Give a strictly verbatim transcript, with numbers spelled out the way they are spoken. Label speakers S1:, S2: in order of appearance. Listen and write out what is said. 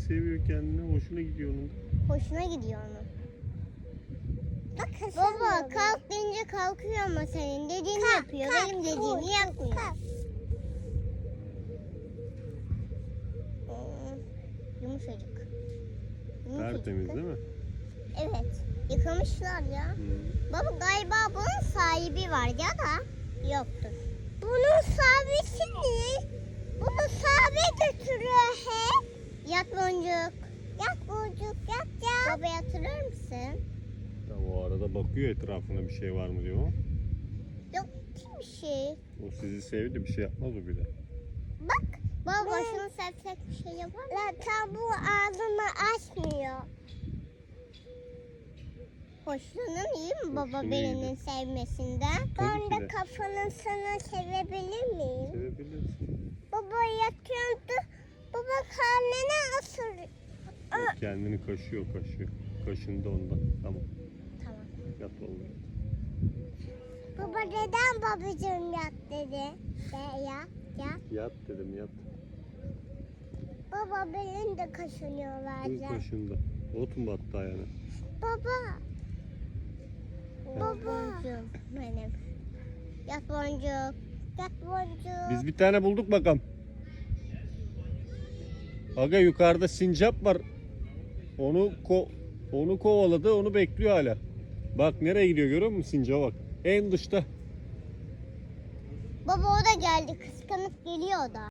S1: seviyor kendini. Hoşuna gidiyor onun.
S2: Hoşuna gidiyor onun. Baba kalk deyince kalkıyor ama senin dediğini kalk, yapıyor. Kalk, benim dediğimi kalk, yapmıyor. Kalk. Hmm, yumuşacık. yumuşacık.
S1: Tertemiz değil mi?
S2: Evet. Yıkamışlar ya.
S1: Hmm.
S2: Baba galiba bunun sahibi var ya da yoktur. Bunun sahibisi ne? Bunu sahibi götürüyor hep. Yat boncuk. Yat boncuk yat yat. Baba yatırır mısın?
S1: Ya o arada bakıyor etrafına bir şey var mı diyor.
S2: Yok bir şey.
S1: O sizi sevdi, bir şey yapmaz o bir de.
S2: Bak. Baba başını sevsek bir şey yapar mı? Zaten bu ağzını açmıyor. Hoşlanın iyi mi baba
S1: Hoşlanıyor
S2: birinin
S1: iyi.
S2: sevmesinden?
S1: Tabii
S2: Ben
S1: ki
S2: de
S1: de.
S2: kafanın sana sevebilir miyim?
S1: Sevebilirsin.
S2: Baba yatıyordu. Baba karnına ısır.
S1: O kendini kaşıyor kaşıyor. Kaşındı ondan. Tamam.
S2: Tamam.
S1: Yat oğlum.
S2: Baba neden babacığım yat dedi? De yat yat.
S1: Yat dedim yat.
S2: Baba benim de kaşınıyorlar.
S1: Kız kaşındı. Ot mu battı ayağına?
S2: Baba. Baba. Benim. Yat boncuk. Yat boncuk.
S1: Biz bir tane bulduk bakalım. Aga yukarıda sincap var. Onu ko onu kovaladı, onu bekliyor hala. Bak nereye gidiyor görüyor musun sincaba bak. En dışta.
S2: Baba o da geldi. Kıskanıp geliyor o da.